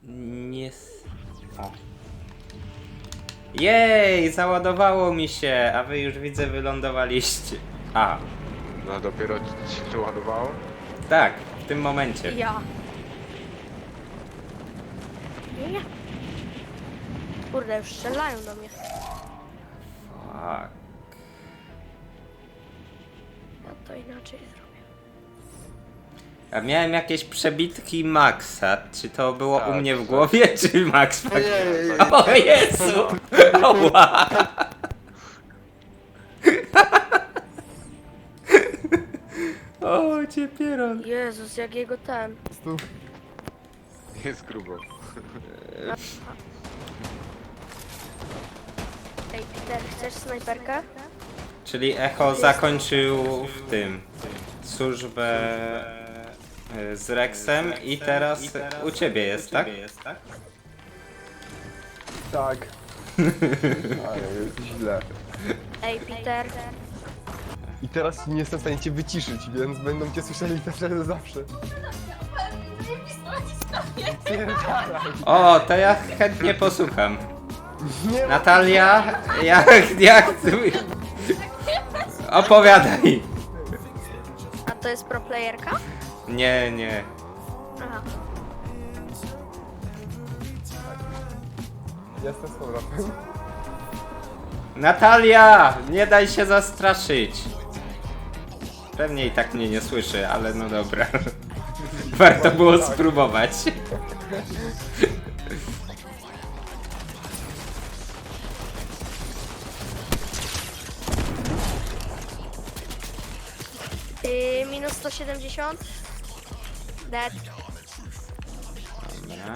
Nie... O. Jej, załadowało mi się, a wy już widzę wylądowaliście. A, No dopiero ci się ładowało? tak, w tym momencie. Ja. Nie. Kurde, już strzelają do mnie. Fuck. Ja to inaczej zrobię. A miałem jakieś przebitki Maxa. Czy to było Tak, u mnie w tak. głowie, czy Max? Ojej. O Jezu! Oła! O, cię pieron. Jezus, jak jego ten. Jest grubo. Ej, Peter, chcesz snajperkę? Czyli Echo zakończył w tym służbę z Rexem i teraz u ciebie jest, tak? Tak. Ale jest źle. Ej, Peter. I teraz nie jestem w stanie cię wyciszyć, więc będą cię słyszeli zawsze. Pierdalaj. O, to ja chętnie posłucham. Nie ma... Natalia, jak ty... Opowiadaj. A to jest pro playerka? Nie, nie. Aha. Jestem z powrotem. Natalia, nie daj się zastraszyć. Pewnie i tak mnie nie słyszy, ale no dobra. Warto było spróbować. Minus 170. Dead. Dobra.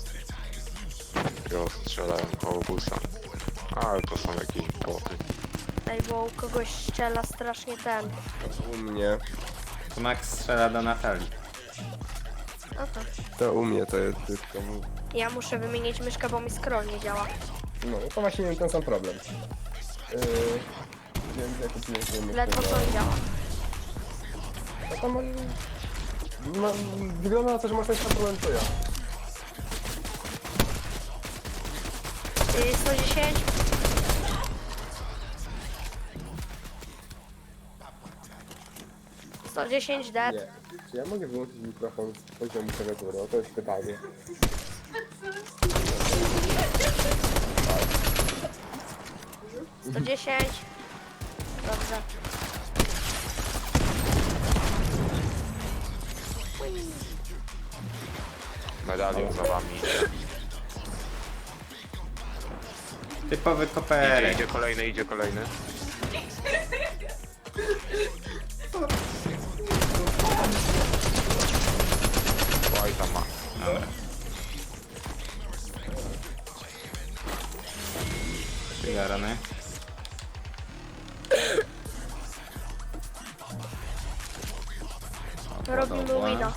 Jo, strzelają koło busa. Ale to są jakieś boty. Ej, bo u kogoś strzela strasznie ten. U mnie. To Max strzela do Natalii. Oto. To u mnie to jest wszystko. Ja muszę wymienić myszkę, bo mi scroll nie działa. No, to właśnie miałem ten sam problem. Więc ja kupiłem sobie myszkę Ledwo za- co mi działa. No to no, wygląda na to, że masz ten sam problem co ja. 110. Dead. Nie. Czy ja mogę wyłączyć mikrofon z poziomu klawiatury? O, to jest pytanie. 110. Dobrze. Medalion za wami idzie. Typowy Idzie, koperek. idzie kolejny, idzie kolejny. Oj, tam ma. Dobra. Przygarany. Robimy wina.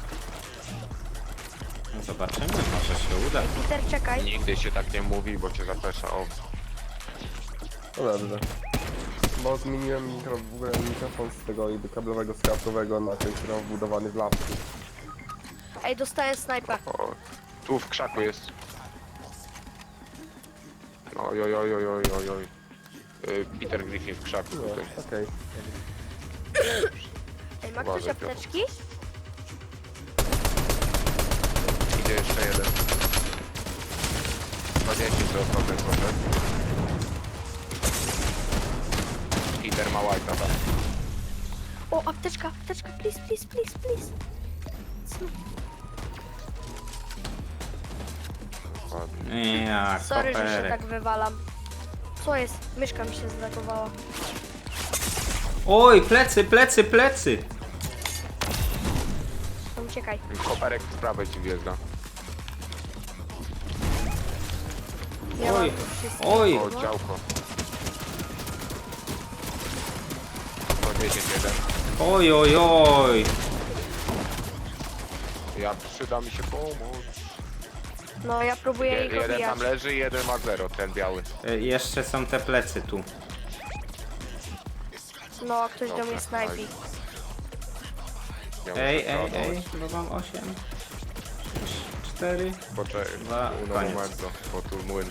No zobaczymy, może się uda. Peter, czekaj. Nigdy się tak nie mówi, bo cię zapesza. O, No dobrze. Bo zmieniłem w ogóle mikrofon z tego jakby kablowego skrawkowego na ten, który mam wbudowany w lapku. Ej, dostałem snajpę. o, tu w krzaku jest. Oj, oj, oj, oj, oj, oj, oj. Peter Griffin w krzaku No, tutaj. okej. Ej, ma ktoś Uważaj, apteczki? Idzie jeszcze jeden. 20 to problem, proszę. Peter ma white'a tam. O, apteczka, please, please, please, please. Ładnie. Ja, Sorry, że się koperek. tak wywalam. Co jest? Myszka mi się zlagowała. Oj, plecy, plecy, plecy! No uciekaj. Koperek z prawej ci wjeżdża. Ja mam Oj, tu wszystko. oj! O, działko. 110 Oj, oj, oj! Ja przyda mi się pomóc. No, ja próbuję ich Jeden obijać. tam leży, jeden ma 0, ten biały. Jeszcze są te plecy tu. No, ktoś do mnie Dobra, snajpi. Ja Ej, muszę ej, przeładować. ej, bo mam 8. 4. Poczekaj, Dwa, uno koniec. momento, bo tu młyn.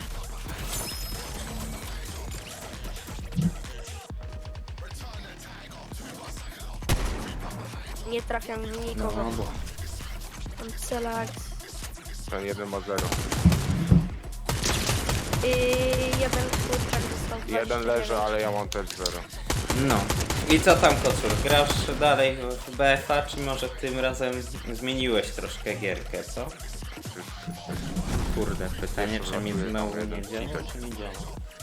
Nie trafiam w nikogo. bo. Mam celak. Ten jeden ma 0. Jeden kurczak dostał 29. Jeden leży, ale ja mam też 0. No. I co tam, Kocur? Grasz dalej w BFA, czy może tym razem zmieniłeś troszkę gierkę, co? Kurde, pytanie, czy mi znowu nie działa, czy nie działa?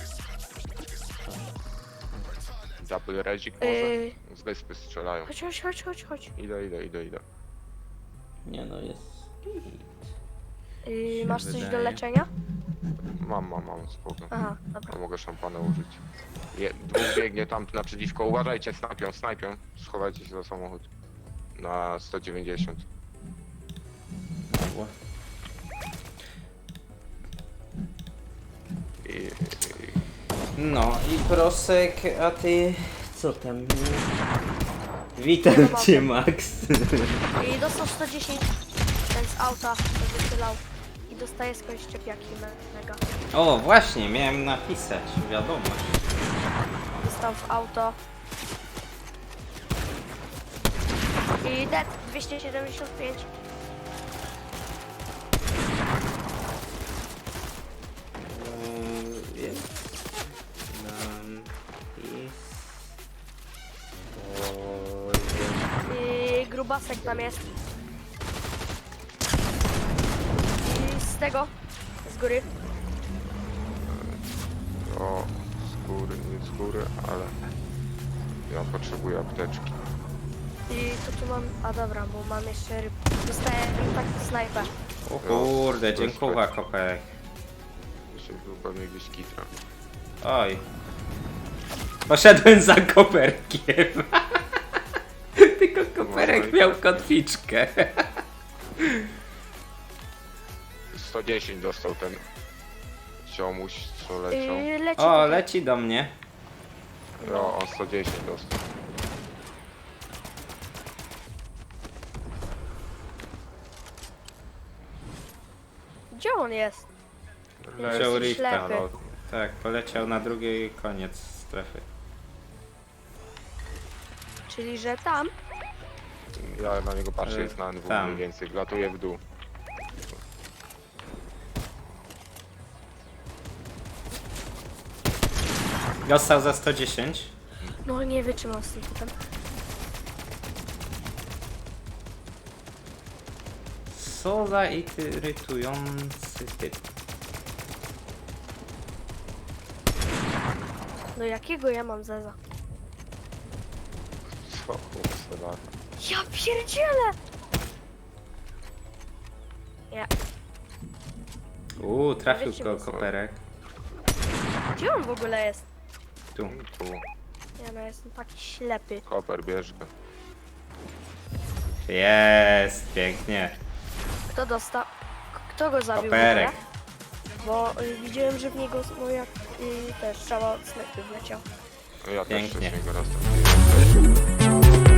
Double rezik może? Z wyspy strzelają. Chodź. Idę. Nie no, jest... Masz coś do wydaje. leczenia? Mam, spoko. Aha, dobra. A mogę szampana użyć. Dwóch biegnie tam naprzeciwko. Uważajcie, snajpią. Schowajcie się za samochód. Na 190. Mogło. No i Prosek, a ty... co tam? Witam cię, Max. I dostał 110 ten z auta, to wychylał. I dostaje skądś szczepiaki mega. O, właśnie, miałem napisać wiadomość. Dostał w auto. I dead 275. I grubasek tam jest. I z tego, z góry. O, nie z góry, ale ja potrzebuję apteczki. I to tu mam, a dobra, bo mam jeszcze ryb. Dostaję tak snajper. O kurde, dziękuję, Koperek. Jeszcze był pewnie gdzieś kitra. Oj. Poszedłem za Koperkiem. Tylko Koperek miał kotwiczkę. 110 dostał ten ziomuś, co leciał. Leci O, tutaj. leci do mnie. No, on 110 dostał. Gdzie on jest? Wziął Jesteś Rifta. ślepy. Tak, poleciał na drugi koniec strefy. Czyli, że tam? Ja na niego patrzę, jest na NW Tam. mniej więcej, latuje w dół. Dostał za 110. No nie wytrzymał z tym potem. Co za irytujący typ. No jakiego ja mam zeza? Co kurwa lata. Ja pierdzielę! Ja. Trafił Wiecie, go bo- Koperek. Gdzie on w ogóle jest? Tu. Tu, Ja no jestem taki ślepy. koper, bierz go. Jest, pięknie. Kto dostał? Kto go zabił? Koperek. w ogóle? Bo widziałem, że w niego moja też strzała od snajpy wleciał. Ja też Pięknie. wcześniej go dostałem.